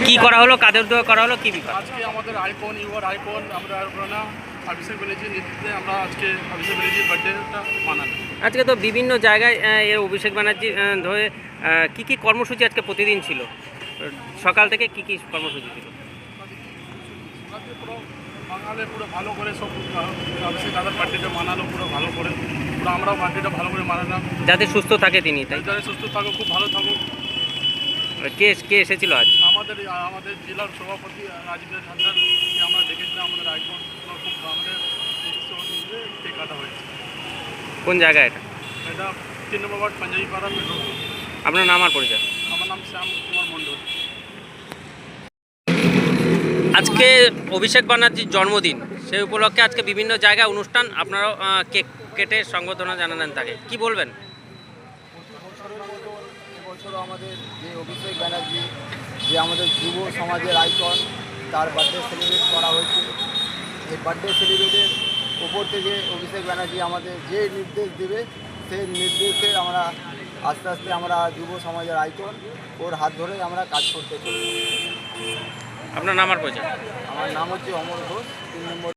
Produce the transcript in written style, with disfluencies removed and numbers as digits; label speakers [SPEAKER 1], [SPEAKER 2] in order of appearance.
[SPEAKER 1] কি করা হলো, কাদের দেওয়া করা হলো, কি ব্যাপার?
[SPEAKER 2] আজকে আমাদের আইকন আইকন আমরা অভিষেক ব্যানার্জির নেতৃত্বে আমরা আজকে অভিষেক ব্যানার্জির বার্থডেটা মানালাম।
[SPEAKER 1] আজকে তো বিভিন্ন জায়গায় এর অভিষেক ব্যানার্জি ধরে কি কর্মসূচি আজকে প্রতিদিন ছিল, সকাল থেকে কি কর্মসূচি ছিল?
[SPEAKER 2] পুরো বাঙালি পুরো ভালো করে সব অভিষেক দাদার বার্থডেটা মানালো পুরো ভালো করে, পুরো আমরাও বার্থডেটা ভালো করে মানালাম।
[SPEAKER 1] যাতে সুস্থ থাকে তিনি, তাই
[SPEAKER 2] যাতে সুস্থ থাকুক, খুব ভালো থাকুক।
[SPEAKER 1] কে এসেছিল আজ?
[SPEAKER 2] আমাদের জেলার সভাপতি রাজীব হাজরার আমরা দেখেছিলাম, আমাদের আইকন খুব আমাদের কেক কাটা হয়েছে।
[SPEAKER 1] কোন জায়গায় এটা?
[SPEAKER 2] এটা 3 নম্বর ওয়ার্ড পাঞ্জাবি পাড়া মেট্রো।
[SPEAKER 1] আপনার নাম আর পরিচয়?
[SPEAKER 2] আমার নাম শ্যাম কুমার মণ্ডল।
[SPEAKER 1] আজকে অভিষেক ব্যানার্জির জন্মদিন, সেই উপলক্ষে আজকে বিভিন্ন জায়গায় অনুষ্ঠান, আপনারাও কেক কেটে সংবর্ধনা জানালেন তাকে, কি বলবেন?
[SPEAKER 3] প্রতি বছরের মতো এবছরও আমাদের যে অভিষেক ব্যানার্জি, যে আমাদের যুব সমাজের আইকন, তার বার্থডে সেলিব্রেট করা হয়েছে। এই বার্থডে সেলিব্রেটের ওপর থেকে অভিষেক ব্যানার্জি আমাদের যে নির্দেশ দেবে সেই নির্দেশে আমরা আস্তে আস্তে আমরা যুব সমাজের আইকন, ওর হাত ধরে আমরা কাজ করতে চলি।
[SPEAKER 1] আপনার নাম আর পরিচয়?
[SPEAKER 3] আমার নাম হচ্ছে অমর ঘোষ, 3 নম্বর